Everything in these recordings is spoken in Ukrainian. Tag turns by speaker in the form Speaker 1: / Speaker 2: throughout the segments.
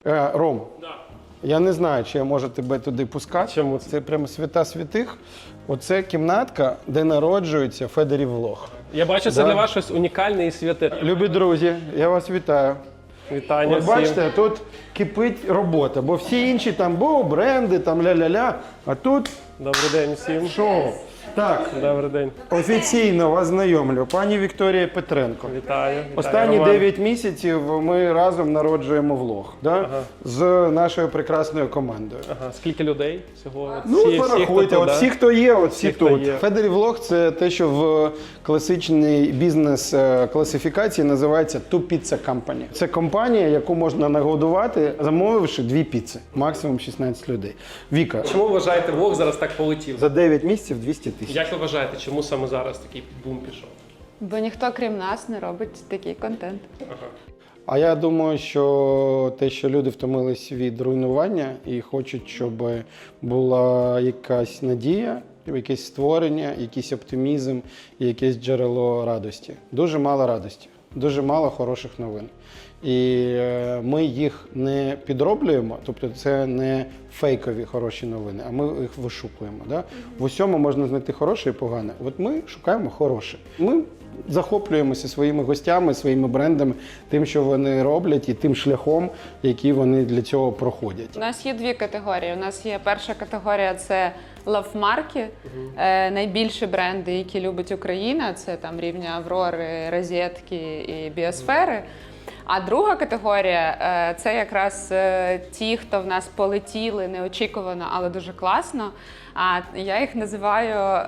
Speaker 1: Ром, я не знаю, чи я можу тебе туди пускати.
Speaker 2: Чому?
Speaker 1: Це прямо свята святих. Оце кімнатка, де народжується Федорів влог.
Speaker 2: Я бачу, це для вас щось унікальне і святе.
Speaker 1: Любі друзі, я вас вітаю.
Speaker 2: Вітання
Speaker 1: От
Speaker 2: всім.
Speaker 1: бачите, тут кипить робота, бо всі інші там, бренди, там ля-ля-ля, а тут
Speaker 2: Добрий день всім.
Speaker 1: шоу. Так,
Speaker 2: Добрий день.
Speaker 1: офіційно вас знайомлю, пані Вікторія Петренко.
Speaker 2: Вітаю.
Speaker 1: Останні
Speaker 2: Роман.
Speaker 1: 9 місяців ми разом народжуємо влог, да? З нашою прекрасною командою.
Speaker 2: Ага. Скільки людей всього?
Speaker 1: Ну,
Speaker 2: Всі,
Speaker 1: порахуйте,
Speaker 2: хто
Speaker 1: от
Speaker 2: тут,
Speaker 1: всі, хто є, от всі
Speaker 2: хто
Speaker 1: тут.
Speaker 2: є.
Speaker 1: Федорів влог – це те, що в класичній бізнес-класифікації називається Two Pizza Company. Це компанія, яку можна нагодувати, замовивши 2 піци, максимум 16 людей. Віка,
Speaker 2: Чому вважаєте, влог зараз так полетів?
Speaker 1: за 9 місяців 200 тисяч.
Speaker 2: Як ви вважаєте, чому саме зараз такий бум пішов?
Speaker 3: Бо ніхто, крім нас, не робить такий контент.
Speaker 1: А я думаю, що те, що люди втомились від руйнування і хочуть, щоб була якась надія, якесь створення, якийсь оптимізм і якесь джерело радості. Дуже мало радості, дуже мало хороших новин. І ми їх не підроблюємо, тобто це не фейкові хороші новини, а ми їх вишукуємо. Да? В усьому можна знайти хороше і погане. От ми шукаємо хороше. Ми захоплюємося своїми гостями, своїми брендами, тим, що вони роблять, і тим шляхом, який вони для цього проходять.
Speaker 3: У нас є 2 категорії. У нас є перша категорія – це лавмарки, найбільші бренди, які любить Україна. Це там рівня Аврори, Розетки і Біосфери. А друга категорія – це якраз ті, хто в нас полетіли неочікувано, але дуже класно. А я їх називаю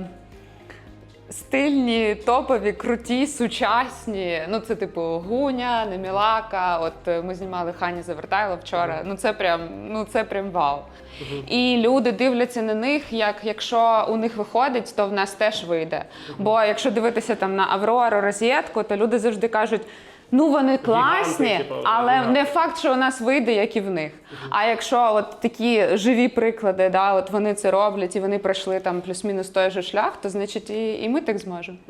Speaker 3: стильні, топові, круті, сучасні. Ну, це типу Гуня, Немілака. От ми знімали Хані Завертайло вчора. Ну це прям вау. І люди дивляться на них, як якщо у них виходить, то в нас теж вийде. Бо якщо дивитися там на Аврору, Розетку, то люди завжди кажуть: ну, вони класні,
Speaker 2: Гіганти, типу,
Speaker 3: але
Speaker 2: гіганти.
Speaker 3: не факт, що у нас вийде, як і в них. А якщо от такі живі приклади, да, от вони це роблять і вони пройшли там плюс-мінус той же шлях, то значить і ми так зможемо.